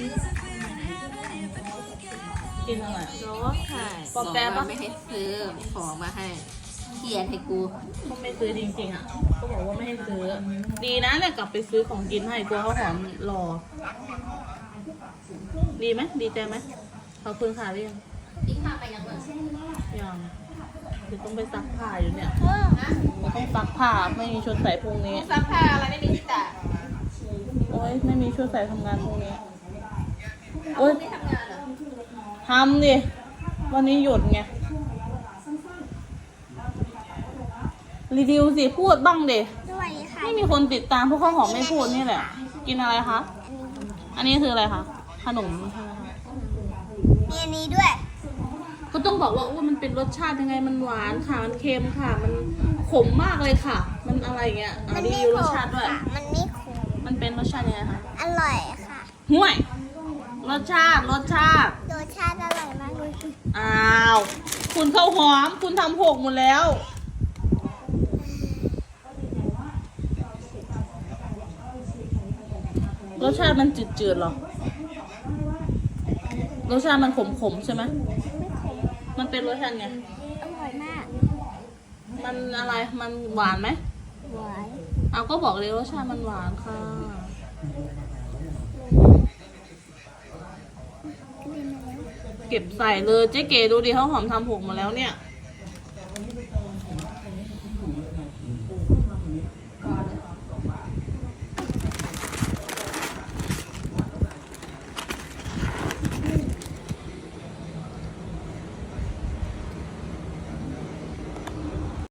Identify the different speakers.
Speaker 1: กินอะไร
Speaker 2: ร้องไห้
Speaker 1: ปอกแป๊บปะ
Speaker 2: ไม่ให้ซื้อของมาให้เขียนให้กู
Speaker 1: ก็ไม่ซื้อจริงๆอ่ะก็บอกว่าไม่ให้ซื้อ ดีนะเนี่ยกลับไปซื้อของกินให้กลัวเขาหอมรอ ดีไหมดีใจไหมขอบคุณค่ะเรียง
Speaker 2: ทิ้งข้าไปยังไง
Speaker 1: ยังคือต้องไปซักผ้าอยู่เนี่ยต้องซักผ้าไม่มีชุดใส่พรุ่งนี้
Speaker 2: ซักผ้าอะไรไม่มีที่ตาก
Speaker 1: โอ๊ยไม่มีชุดใส่ทำงานพรุ่งนี้โอ๊ย
Speaker 2: ไม่ทำงานเหรอ
Speaker 1: ทำดิวันนี้หยุดไงรีวิวสิพูดบ้างดิ
Speaker 3: สวัสดีค่ะ
Speaker 1: ไม่มีคนติดตามพวกข้าวหอมไม่พูดนี่แหละ กินอะไรคะ อันนี้คืออะไรคะ ขนมใช่ไหมคะ
Speaker 3: มีอันนี้ด้วย
Speaker 1: ก็ต้องบอกว่ามันเป็นรสชาติยังไง มันหวานค่ะ มันเค็มค่ะ มันขมมากเลยค่ะ มันอะไรเงี้ยเอารีวิวรสชาติด้วย
Speaker 3: ค่ะ มันไม่ขม
Speaker 1: มันเป็นรสชาติยังไงคะ
Speaker 3: อร่อยค่ะ
Speaker 1: ห่วย รสชาติ
Speaker 3: รสชาติอร่อยมากเลย
Speaker 1: อ้าว คุณข้าวหอม คุณทำหกหมดแล้ว รสชาติมันจืดๆหรอ รสชาติมันขมๆใช่ไหม
Speaker 3: ไม่ขม
Speaker 1: มันเป็นรสชาติไง
Speaker 3: อร่อยมาก
Speaker 1: มันอะไร มันหวานไหม
Speaker 3: หวาน
Speaker 1: เอาก็บอกเลยรสชาติมันหวานค่ะ เก็บใส่เลยเจ๊เก๋ดูดิเขาหอมทำหกหมาแล้วเนี่ย